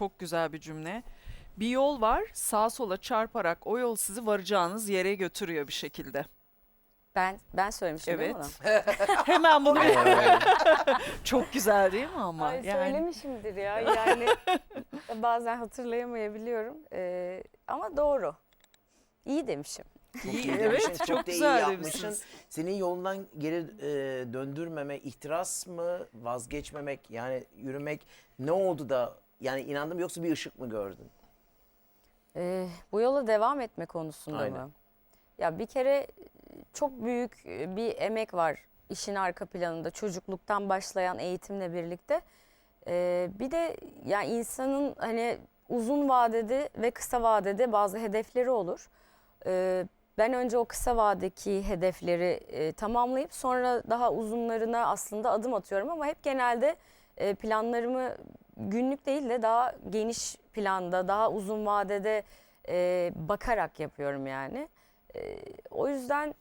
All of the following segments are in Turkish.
çok güzel bir cümle. Bir yol var, sağa sola çarparak o yol sizi varacağınız yere götürüyor bir şekilde. Ben söylemiştim değil mi onu? Evet. Hemen bunu çok güzel değil mi ama? Ay, söylemişimdir ya. Yani bazen hatırlayamayabiliyorum. Ama doğru. İyi demişim. İyi, demişsin, evet, çok da iyi güzel yapmışsın. demişsiniz. Senin yolundan geri döndürmeme, ihtiras mı, vazgeçmemek, yani yürümek ne oldu da yani inandım, yoksa bir ışık mı gördün? Bu yola devam etme konusunda Aynen. mı? Ya bir kere çok büyük bir emek var işin arka planında. Çocukluktan başlayan eğitimle birlikte. Bir de yani insanın hani uzun vadede ve kısa vadede bazı hedefleri olur. Ben önce o kısa vadedeki hedefleri tamamlayıp sonra daha uzunlarına aslında adım atıyorum ama hep genelde planlarımı günlük değil de daha geniş planda, daha uzun vadede bakarak yapıyorum yani. O yüzden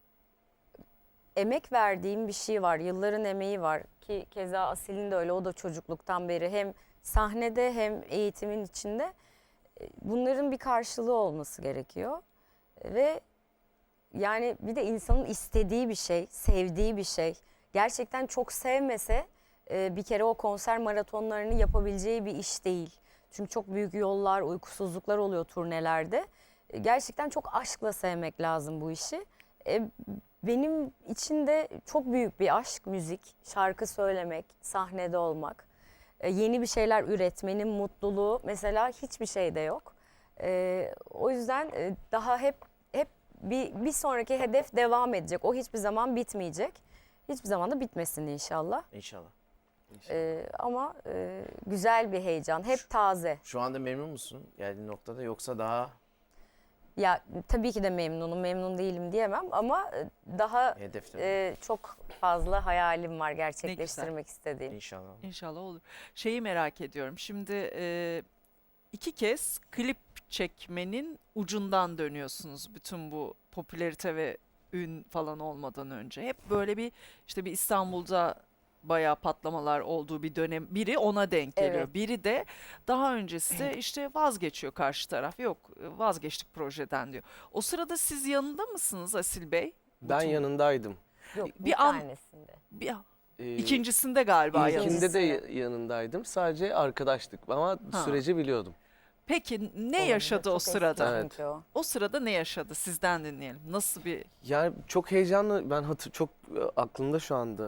emek verdiğim bir şey var, yılların emeği var ki keza Asil'in de öyle, o da çocukluktan beri hem sahnede hem eğitimin içinde bunların bir karşılığı olması gerekiyor. Ve yani bir de insanın istediği bir şey, sevdiği bir şey. Gerçekten çok sevmese bir kere o konser maratonlarını yapabileceği bir iş değil. Çünkü çok büyük yollar, uykusuzluklar oluyor turnelerde. Gerçekten çok aşkla sevmek lazım bu işi. Benim için de çok büyük bir aşk müzik, şarkı söylemek, sahnede olmak. Yeni bir şeyler üretmenin mutluluğu mesela hiçbir şeyde yok. O yüzden daha hep bir sonraki hedef devam edecek. O hiçbir zaman bitmeyecek. Hiçbir zaman da bitmesin inşallah. İnşallah. Ama güzel bir heyecan, hep taze. Şu anda memnun musun geldiğin noktada, yoksa daha Ya tabii ki de memnunum, memnun değilim diyemem ama daha hedefte çok fazla hayalim var gerçekleştirmek istediğim. İnşallah. İnşallah olur. Şeyi merak ediyorum. Şimdi 2 kez klip çekmenin ucundan dönüyorsunuz bütün bu popülarite ve ün falan olmadan önce. Hep böyle bir işte bir İstanbul'da bayağı patlamalar olduğu bir dönem, biri ona denk geliyor. Evet. Biri de daha öncesi işte vazgeçiyor karşı taraf. Yok, vazgeçtik projeden diyor. O sırada siz yanında mısınız Asil Bey? Ben Bütün- yanındaydım. Yok, Bir bir an- tanesinde. İkincisinde galiba İlkinde yanında. de yanındaydım. Sadece arkadaştık ama Ha. süreci biliyordum. Peki ne Olabilir, yaşadı o çok eski sırada? Evet. çünkü o. O sırada ne yaşadı? Sizden dinleyelim. Nasıl bir... Yani çok heyecanlı, ben çok aklımda şu anda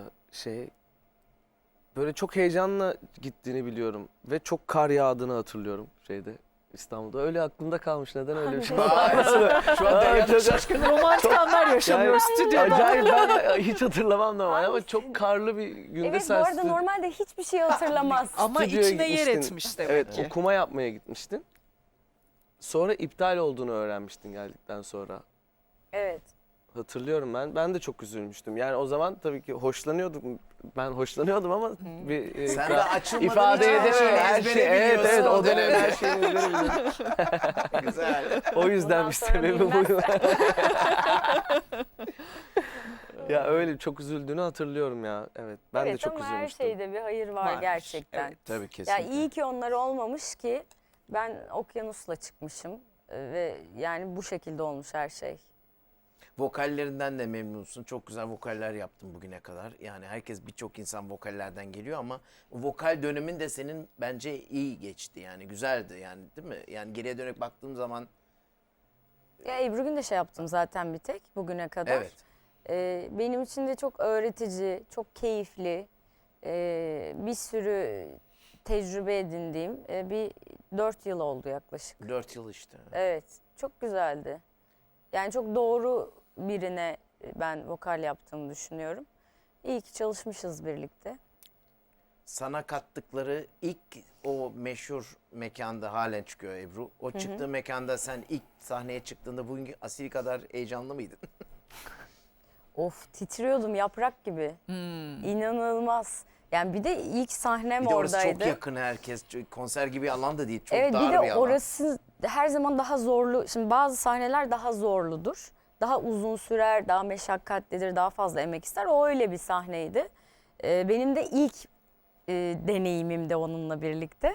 böyle çok heyecanla gittiğini biliyorum ve çok kar yağdığını hatırlıyorum İstanbul'da. Öyle aklımda kalmış, neden öyle bir şey var? Şu an Derya çok- şaşkın. Romantik anlar yaşanıyor stüdyoda. Acayip, ben hiç hatırlamam normal ama çok karlı bir günde Evet, bu sen arada normalde hiçbir şey hatırlamaz. Ama stüdyoya içine yer gitmiştin. etmiş demek Evet, ki. okuma yapmaya gitmiştin. Sonra iptal olduğunu öğrenmiştin geldikten sonra. Evet. Hatırlıyorum ben. Ben de çok üzülmüştüm. Yani o zaman tabii ki hoşlanıyordum. Ben hoşlanıyordum ama bir Sen de açılmadığın ifade için her şeyi edemem. Her ezbere şey, evet biliyorsun. evet, o dönem her şeyi ezbere biliyorum. Güzel. O yüzden Bundan bir sonra sebebi bu. bilmezsen. Ya öyle çok üzüldüğünü hatırlıyorum ya. Evet. Ben de Evet, çok ama her üzülmüştüm. şeyde bir hayır var Varmış, gerçekten. evet. Tabii Ya kesinlikle. iyi ki onlar olmamış ki ben okyanusla çıkmışım ve yani bu şekilde olmuş her şey. Vokallerinden de memnunsun. Çok güzel vokaller yaptın bugüne kadar. Yani birçok insan vokallerden geliyor ama o vokal dönemin de senin bence iyi geçti. Yani güzeldi yani, değil mi? Yani geriye dönük baktığım zaman Ya Ebru Gündeş'e yaptım zaten bir tek bugüne kadar. evet. Benim için de çok öğretici, çok keyifli, bir sürü tecrübe edindiğim bir 4 yıl oldu yaklaşık. 4 yıl işte. Evet, çok güzeldi. Yani çok doğru birine ben vokal yaptığımı düşünüyorum. İyi ki çalışmışız birlikte. Sana kattıkları ilk o meşhur mekanda halen çıkıyor Ebru. O çıktığı mekanda sen ilk sahneye çıktığında bugünkü Asil kadar heyecanlı mıydın? Of, titriyordum yaprak gibi. İnanılmaz. Yani bir de ilk sahnem Bir de orası oradaydı. çok yakın herkes. Konser gibi alan da değil. Çok Evet, dar bir de bir alan. orası her zaman daha zorlu. Şimdi bazı sahneler daha zorludur. Daha uzun sürer, daha meşakkatlidir, daha fazla emek ister. O öyle bir sahneydi. Benim de ilk deneyimim de onunla birlikte.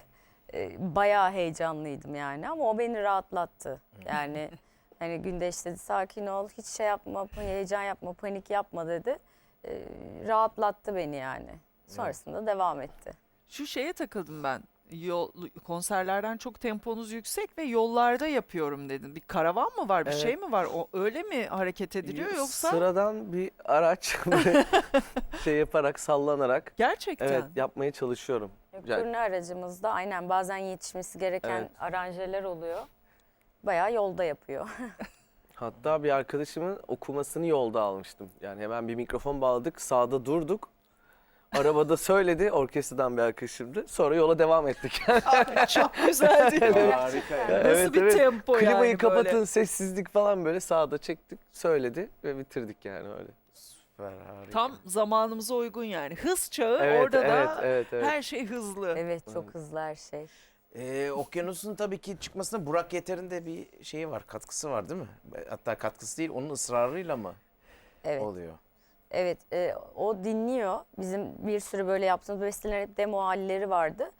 Bayağı heyecanlıydım yani ama o beni rahatlattı. Yani hani Gündeş dedi sakin ol, hiç şey yapma, heyecan yapma, panik yapma dedi. Rahatlattı beni yani. Sonrasında devam etti. Şu şeye takıldım ben. Konserlerden çok temponuz yüksek ve yollarda yapıyorum dedin. Bir karavan mı var, bir Evet. şey mi var? O öyle mi hareket ediliyor yoksa Sıradan bir araç böyle şey yaparak, sallanarak gerçekten? evet yapmaya çalışıyorum. Yani- Turne aracımızda aynen bazen yetişmesi gereken Evet. aranjeler oluyor. Bayağı yolda yapıyor. Hatta bir arkadaşımın okumasını yolda almıştım. Yani hemen bir mikrofon bağladık, sağda durduk. Arabada söyledi, orkestradan bir arkadaşımdı. Sonra yola devam ettik. Abi çok güzel değil mi? Harika ya. Nasıl Evet, bir evet. tempo yani Klimayı kapatın, böyle? sessizlik falan böyle sağda çektik, söyledi ve bitirdik yani öyle. Süper, harika. Tam zamanımıza uygun yani. Hız çağı Evet, orada evet, da evet, evet. her şey hızlı. Evet çok hızlı her şey. Okyanus'un tabii ki çıkmasına Burak Yeter'in de bir şeyi var, katkısı var değil mi? Hatta katkısı değil, onun ısrarıyla mı Evet. oluyor? Evet, o dinliyor. Bizim bir sürü böyle yaptığımız bestelerin hep demo halleri vardı.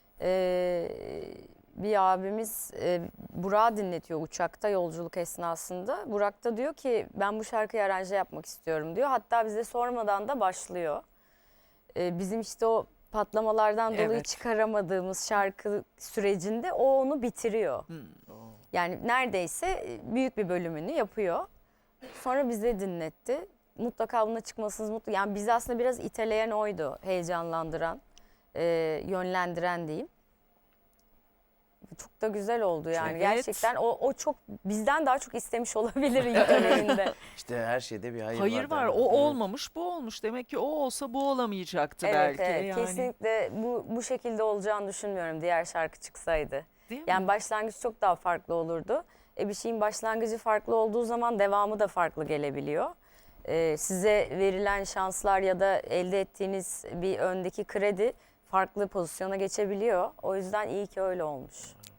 Bir abimiz Burak'ı dinletiyor uçakta yolculuk esnasında. Burak da diyor ki ben bu şarkıyı aranje yapmak istiyorum diyor. Hatta bize sormadan da başlıyor. Bizim işte o patlamalardan dolayı Evet. çıkaramadığımız şarkı sürecinde o onu bitiriyor. Hmm. Yani neredeyse büyük bir bölümünü yapıyor. Sonra bize dinletti. Mutlaka buna çıkmasınız mutlu. Yani bizi aslında biraz iteleyen oydu. Heyecanlandıran, yönlendiren diyeyim. Çok da güzel oldu yani. Evet. Gerçekten o çok bizden daha çok istemiş olabilir ilk döneminde. İşte her şeyde bir hayır, Hayır var. değil mi? O Evet. olmamış, bu olmuş. Demek ki o olsa bu olamayacaktı Evet, belki evet. yani. Kesinlikle bu şekilde olacağını düşünmüyorum diğer şarkı çıksaydı. Değil mi? Yani başlangıç çok daha farklı olurdu. Bir şeyin başlangıcı farklı olduğu zaman devamı da farklı gelebiliyor. Size verilen şanslar ya da elde ettiğiniz bir öndeki kredi farklı pozisyona geçebiliyor. O yüzden iyi ki öyle olmuş.